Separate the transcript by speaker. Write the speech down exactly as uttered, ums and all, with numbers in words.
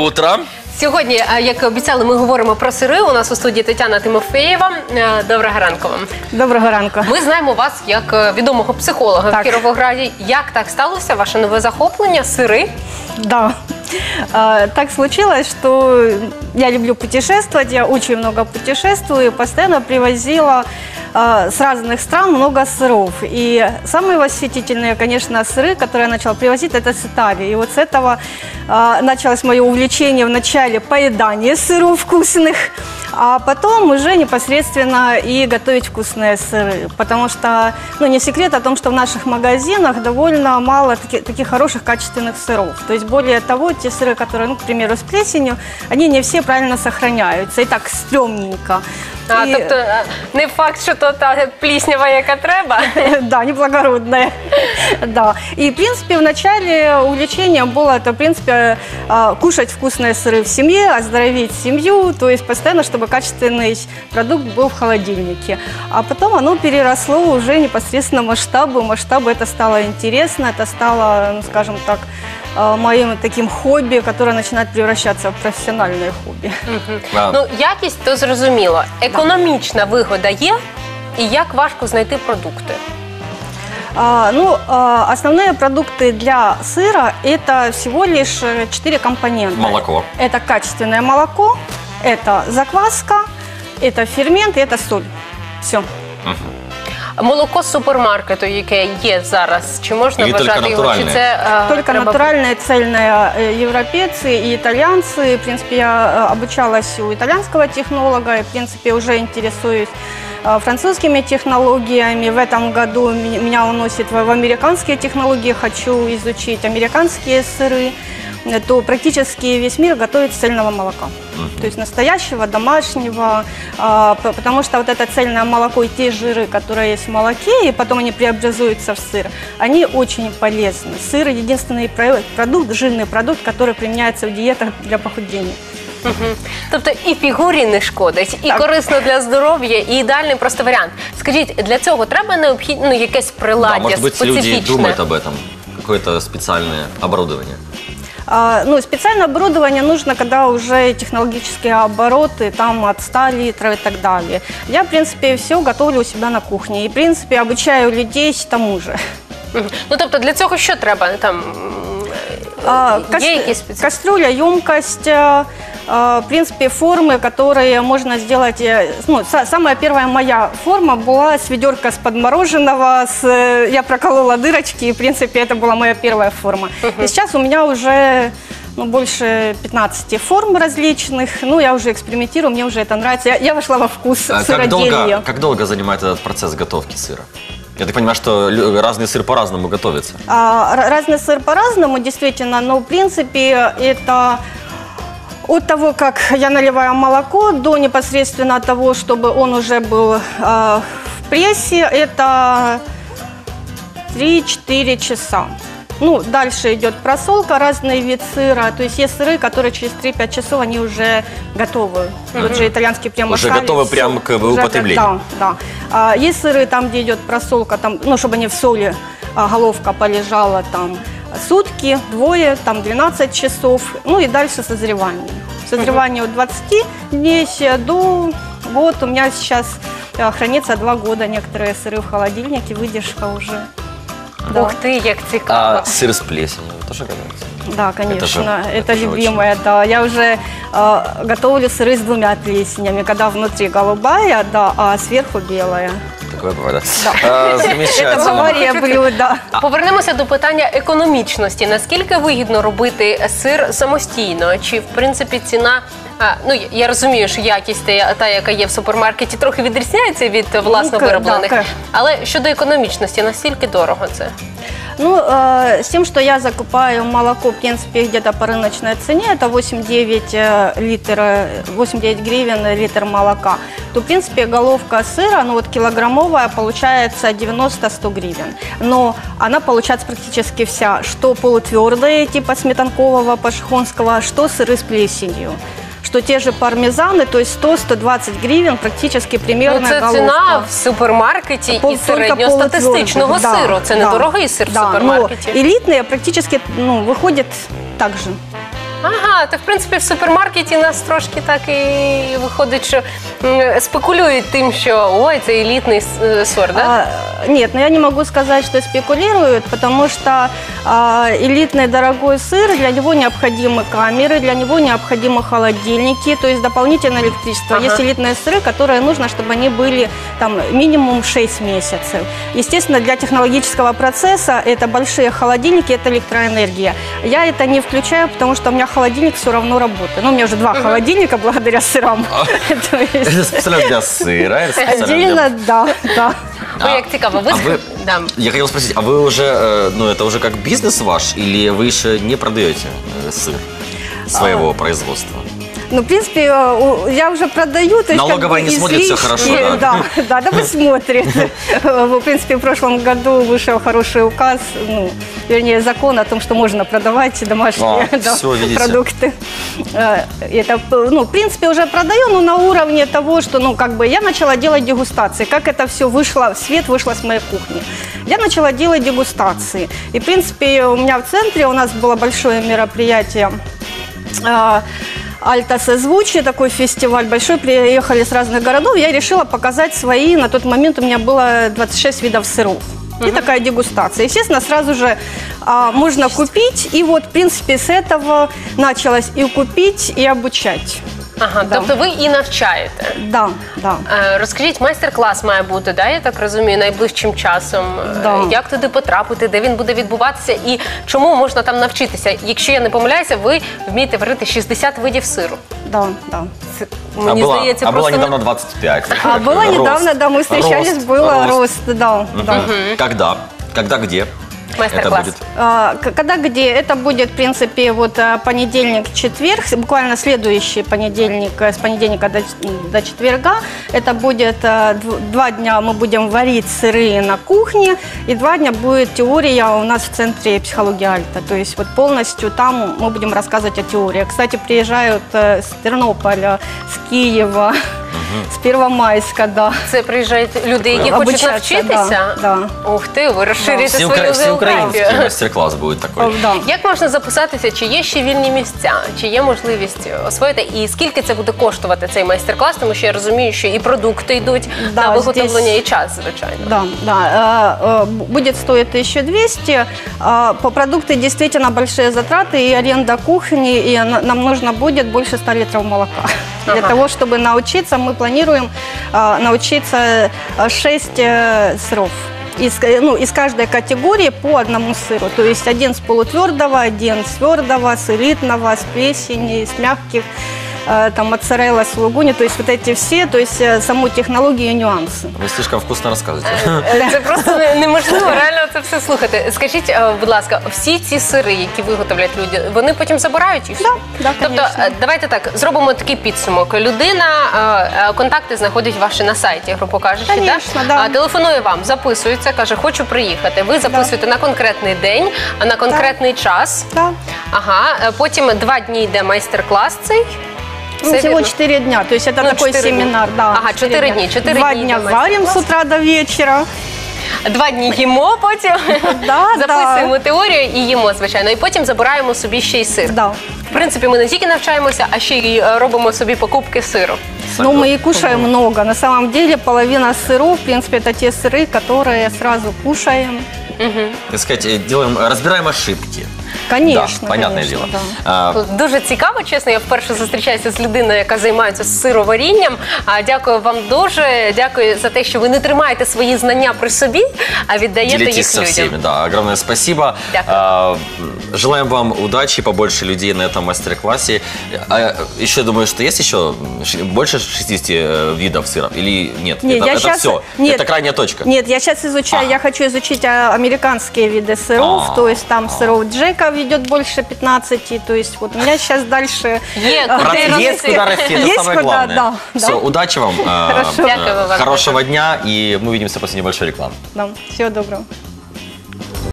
Speaker 1: утро.
Speaker 2: Сьогодні, як і обіцяли, ми говоримо про сири. У нас у студії Тетяна Тимофєєва. Доброго ранку вам.
Speaker 3: Доброго ранку.
Speaker 2: Ми знаємо вас як відомого психолога
Speaker 3: так.
Speaker 2: в Кіровограді. Як так сталося, ваше нове захоплення – сири?
Speaker 3: Да. Так случилось, что я люблю путешествовать, я очень много путешествую, постоянно привозила с разных стран много сыров. И самые восхитительные, конечно, сыры, которые я начала привозить, это с Италии. И вот с этого началось мое увлечение вначале поедания сыров вкусных, а потом уже непосредственно и готовить вкусные сыры. Потому что, ну, не секрет о том, что в наших магазинах довольно мало таки, таких хороших качественных сыров. То есть, более того, те сыры, которые, ну, к примеру, с плесенью, они не все правильно сохраняются. И так стрёмненько.
Speaker 2: А,
Speaker 3: и...
Speaker 2: тобто не факт, що то та пліснява, яка треба?
Speaker 3: Да, неблагородная. Да. И, в принципе, в начале увлечения было это, в принципе, кушать вкусные сыры в семье, оздоровить семью, то есть постоянно, чтобы качественный продукт был в холодильнике. А потом оно переросло уже непосредственно масштабы. Масштабы это стало интересно, это стало, ну, скажем так, моим таким хобби, которое начинает превращаться в профессиональное хобби.
Speaker 2: Угу. А. Ну, якість, то зрозуміло. Економічна вигода є? І як важко знайти продукти?
Speaker 3: А, ну, а, основные продукты для сыра – это всего лишь четыре компонента.
Speaker 1: Молоко.
Speaker 3: Это качественное молоко, это закваска, это фермент и это соль. Все.
Speaker 1: Угу.
Speaker 2: Молоко з супермаркету, яке є зараз, чи можна
Speaker 1: Или
Speaker 2: вважати його? Чи це, а,
Speaker 3: только
Speaker 2: треба...
Speaker 3: натуральное, цельное. Европейцы и итальянцы. В принципе, я обучалась у итальянского технолога и, в принципе, уже интересуюсь французскими технологиями. В этом году меня уносит в американские технологии. Хочу изучить американские сыры. То практически весь мир готовит с цельного молока. Uh-huh. То есть настоящего, домашнего, а, потому что вот это цельное молоко и те жиры, которые есть в молоке, и потом они преобразуются в сыр, они очень полезны. Сыр – единственный продукт, жирный продукт, который применяется в диетах для похудения.
Speaker 2: Угу. Тобто і фігурі не шкодить, і так. корисно для здоров'я, і ідеальний просто варіант. Скажіть, для цього треба необхідно, ну, якесь приладдя,
Speaker 1: да, может быть,
Speaker 2: специфічне?
Speaker 1: люди думают об этом, какое-то специальное оборудование.
Speaker 3: А, ну, специальное оборудование нужно, когда уже технологические обороты там от ста литров и так далее. Я, в принципе, все готовлю у себя на кухне и, в принципе, обучаю людей тому же.
Speaker 2: Угу. Ну, тобто для цього що треба? Там,
Speaker 3: а,
Speaker 2: є
Speaker 3: кас...
Speaker 2: якісь спеціальні?
Speaker 3: Кастрюля, емкость, а, в принципе, формы, которые можно сделать. Ну, самая первая моя форма была с ведерка с подмороженного, с, я проколола дырочки, и, в принципе, это была моя первая форма. Uh-huh. И сейчас у меня уже, ну, больше пятнадцати форм различных. Ну, я уже экспериментирую, мне уже это нравится. Я, я вошла во вкус
Speaker 1: а
Speaker 3: сыроделия.
Speaker 1: Как долго, как долго занимает этот процесс готовки сыра? Я так понимаю, что разный сыр по-разному готовится. А,
Speaker 3: разный сыр по-разному, действительно, но, в принципе, это... От того, как я наливаю молоко, до непосредственно того, чтобы он уже был э, в прессе, это три-четыре часа. Ну, дальше идет просолка, разный вид сыра. То есть есть сыры, которые через три-пять часов они уже готовы. Mm-hmm. Вот же итальянский прямо
Speaker 1: Уже готовы прямо к употреблению.
Speaker 3: Да, да. А, есть сыры, там, где идет просолка, там, ну, чтобы они в соли, а, головка полежала там сутки, двое, там двенадцать часов, ну и дальше созревание. Созревание от двадцати дней до года. У меня сейчас хранится два года некоторые сыры в холодильнике, выдержка уже.
Speaker 2: Да. Ух ты, як цікаво.
Speaker 1: А сыр с плесенью тоже готовится?
Speaker 3: Да, конечно,
Speaker 1: это, же,
Speaker 3: это, это любимое,
Speaker 1: очень...
Speaker 3: да. Я уже э, готовлю сыры с двумя плесенями, когда внутри голубая, да, а сверху белая.
Speaker 1: Такое бывает,
Speaker 3: да.
Speaker 1: А, замечательно.
Speaker 3: Це аварія блюда.
Speaker 2: Повернемося до питання економічності. Наскільки вигідно робити сир самостійно? Чи, в принципі, ціна... А, ну, я розумію, що якість та, та, яка є в супермаркеті, трохи відрізняється від власно вироблених.
Speaker 3: Да,
Speaker 2: але щодо економічності, наскільки дорого це?
Speaker 3: Ну, э, с тем, что я закупаю молоко, в принципе, где-то по рыночной цене, это восемь-девять литр, восемь-девять гривен литр молока, то, в принципе, головка сыра, ну, вот килограммовая, получается девяносто-сто гривен. Но она получается практически вся, что полутвердые, типа сметанкового, пашихонского, что сыры с плесенью. Что те же пармезаны, то есть сто-сто двадцать гривен, практически примерно
Speaker 2: ну, це
Speaker 3: головка.
Speaker 2: Ціна в супермаркеті
Speaker 3: Пол,
Speaker 2: і середньостатистичного
Speaker 3: да,
Speaker 2: сиру. Це не
Speaker 3: да,
Speaker 2: дорогий сир
Speaker 3: да,
Speaker 2: в супермаркеті.
Speaker 3: Но элитные практически, ну, выходят так же.
Speaker 2: Ага, то в принципі в супермаркеті нас трошки так і виходить, що м, спекулюють тим, що ой, це елітний с- сорт, да?
Speaker 3: А, нет, но я не могу сказать, что спекулируют, потому что а, элитный дорогой сыр, для него необходимы камеры, для него необходимы холодильники, то есть дополнительное электричество.
Speaker 2: Ага.
Speaker 3: Есть элитные сыры, которые нужно, чтобы они были там минимум шесть месяцев. Естественно, для технологического процесса это большие холодильники, это электроэнергия. Я это не включаю, потому что у меня холодильник все равно работает. Ну, у меня уже два холодильника благодаря сырам. То есть
Speaker 1: Это специально для сыра, это специально для...
Speaker 3: Отдельно, да, да.
Speaker 2: Ой, як цікаво. Ви,
Speaker 1: а
Speaker 2: ск-
Speaker 1: вы-
Speaker 2: да.
Speaker 1: Я хотел спросить, а вы уже, э, ну это уже как бизнес ваш, или вы еще не продаете э, сыр своего производства?
Speaker 3: Ну, в принципе, э, у- я уже продаю. То есть,
Speaker 1: Налоговая
Speaker 3: как бы,
Speaker 1: не смотрит, всё
Speaker 3: излишки.
Speaker 1: хорошо, да?
Speaker 3: Да, да, да, вы смотрит. В принципе, в прошлом году вышел хороший указ, ну, вернее, закон о том, что можно продавать домашние
Speaker 1: А,
Speaker 3: да,
Speaker 1: всё, видите.
Speaker 3: продукты. Э, Это, ну, в принципе, уже продаю, но на уровне того, что, ну, как бы, я начала делать дегустации. Как это все вышло в свет, вышло с моей кухни. Я начала делать дегустации. И, в принципе, у меня в центре у нас было большое мероприятие, э, Альта Созвучие, такой фестиваль большой, приехали с разных городов. Я решила показать свои, на тот момент у меня было двадцать шесть видов сыров. И такая дегустация. Естественно, сразу же а, можно купить. И вот, в принципе, с этого началось и купить, и обучать.
Speaker 2: Ага,
Speaker 3: Да.
Speaker 2: тобто ви і навчаєте.
Speaker 3: Да, да.
Speaker 2: Е, Розкажіть, майстер-клас має бути, да, я так розумію, найближчим часом. Е,
Speaker 3: Да.
Speaker 2: Як туди потрапити, де він буде відбуватися і чому можна там навчитися? Якщо я не помиляюся, ви вмієте варити шістдесят видів сиру.
Speaker 3: Да, да.
Speaker 2: Це,
Speaker 1: А
Speaker 2: мені
Speaker 1: было,
Speaker 2: здається,
Speaker 1: а было
Speaker 2: просто не-
Speaker 1: недавно двадцать пять.
Speaker 3: А было
Speaker 1: Рост,
Speaker 3: недавно, да, мы встречались,
Speaker 1: рост,
Speaker 3: было
Speaker 1: рост.
Speaker 3: рост, да, да.
Speaker 1: Когда? Когда, где?
Speaker 2: Майстер-класс.
Speaker 1: Это будет?
Speaker 3: А, к- Когда где? Это будет, в принципе, вот а, понедельник, четверг, буквально следующий понедельник, э, с понедельника до, до четверга. Это будет а, дв- два дня мы будем варить сыры на кухне, и два дня будет теория у нас в центре психологии Альта. То есть вот полностью там мы будем рассказывать о теории. Кстати, приезжают э, с Тернополя, с Киева, с Первомайска, да.
Speaker 2: Це приїжджають люди, які хочуть
Speaker 3: Обучаться,
Speaker 2: навчитися?
Speaker 3: да,
Speaker 2: Ух ти, ви розширюєте
Speaker 1: Всеукра-
Speaker 2: свою
Speaker 1: Всеукраинский
Speaker 2: географію.
Speaker 1: мастер-класс будет такой.
Speaker 3: О, да.
Speaker 2: Як можна записатися, чи є ще вільні місця, чи є можливість освоїти, і скільки це буде коштувати цей майстер-клас, тому що я розумію, що і продукти йдуть
Speaker 3: Да,
Speaker 2: на виготовлення,
Speaker 3: здесь-
Speaker 2: і час, звичайно.
Speaker 3: Да, да. э, э, Будет стоить тысяча двести. А, По продукты действительно большие затраты и аренда кухни, и на- нам нужно будет больше ста литров молока. Для
Speaker 2: Ага.
Speaker 3: того, чтобы научиться, мы планируем а, научиться шесть сыров. Из, ну, из каждой категории по одному сыру. То есть один с полутвердого, один с твердого, с элитного, с плесени, с мягких, э, там, моцарелла, сулугуни. То есть вот эти все, то есть э, саму технологию и нюансы.
Speaker 1: Вы слишком вкусно рассказываете.
Speaker 2: Е, Це просто не- неможливо реально це все слухати. Скажіть, е, будь ласка, всі ці сири, які виготовлять люди, вони потім забирають їх?
Speaker 3: Да, да,
Speaker 2: Тобто,
Speaker 3: конечно.
Speaker 2: е, давайте так, зробимо такий підсумок. Людина, е, е, контакти знаходить ваші на сайті, грубо кажучи,
Speaker 3: Конечно,
Speaker 2: да?
Speaker 3: да.
Speaker 2: А, телефонує вам, записується, каже, хочу приїхати. Ви записуєте на конкретний день, а на конкретний час.
Speaker 3: Да.
Speaker 2: Ага, е, потім два дні йде майстер-клас цей.
Speaker 3: Ну,
Speaker 2: Все
Speaker 3: всего
Speaker 2: вірно?
Speaker 3: четыре дня, то есть это
Speaker 2: Ну,
Speaker 3: такой
Speaker 2: четыре
Speaker 3: семинар,
Speaker 2: дня.
Speaker 3: да.
Speaker 2: Ага, четыре дня, четыре
Speaker 3: Два
Speaker 2: дня
Speaker 3: дня
Speaker 2: идет
Speaker 3: варим с
Speaker 2: мастер-класс.
Speaker 3: утра до вечера.
Speaker 2: Два дні їмо потім,
Speaker 3: Да,
Speaker 2: записуємо теорію і їмо, звичайно. І потім забираємо собі ще й сир.
Speaker 3: Да.
Speaker 2: В принципі, ми не тільки навчаємося, а ще й е, робимо собі покупки сиру.
Speaker 3: Но мы и кушаем много. На самом деле половина сыров, в принципе, это те сыры, которые сразу кушаем.
Speaker 1: Так сказать, э, делаем, разбираем ошибки.
Speaker 3: Конечно,
Speaker 1: Да, понятное
Speaker 3: конечно,
Speaker 1: дело.
Speaker 3: да.
Speaker 1: А,
Speaker 2: Дуже цікаво, чесно. Я вперше зустрічаюся з людиною, яка займається сироварінням. А, Дякую вам дуже. Дякую за те, що ви не тримаєте свої знання при собі, а віддаєте
Speaker 1: Делитесь
Speaker 2: їх
Speaker 1: со
Speaker 2: людям.
Speaker 1: всеми, да. Огромное спасибо.
Speaker 2: Дякую.
Speaker 1: А, желаем вам удачи, побольше людей на этом мастер-классе. А, еще думаю, что есть еще ш- больше шестидесяти э, видов сыров или нет?
Speaker 3: Нет,
Speaker 1: это
Speaker 3: я
Speaker 1: это
Speaker 3: щас-
Speaker 1: все.
Speaker 3: нет.
Speaker 1: Это крайняя точка.
Speaker 3: Нет, я сейчас изучаю,
Speaker 1: А.
Speaker 3: я хочу изучить а, американские виды сыров,
Speaker 1: А.
Speaker 3: то есть там сыров Джека идет больше пятнадцати, то есть вот у меня сейчас дальше...
Speaker 2: Є,
Speaker 3: а,
Speaker 2: куди
Speaker 1: Раз-
Speaker 2: рости.
Speaker 1: есть куда расти, это
Speaker 3: Есть
Speaker 1: самое
Speaker 3: куда,
Speaker 1: главное.
Speaker 3: да,
Speaker 1: Все,
Speaker 3: да.
Speaker 1: удачи вам. а,
Speaker 3: Хорошо.
Speaker 1: э,
Speaker 2: Дякую вам.
Speaker 1: Хорошего дня, и мы увидимся после небольшой рекламы.
Speaker 3: Да, всего доброго.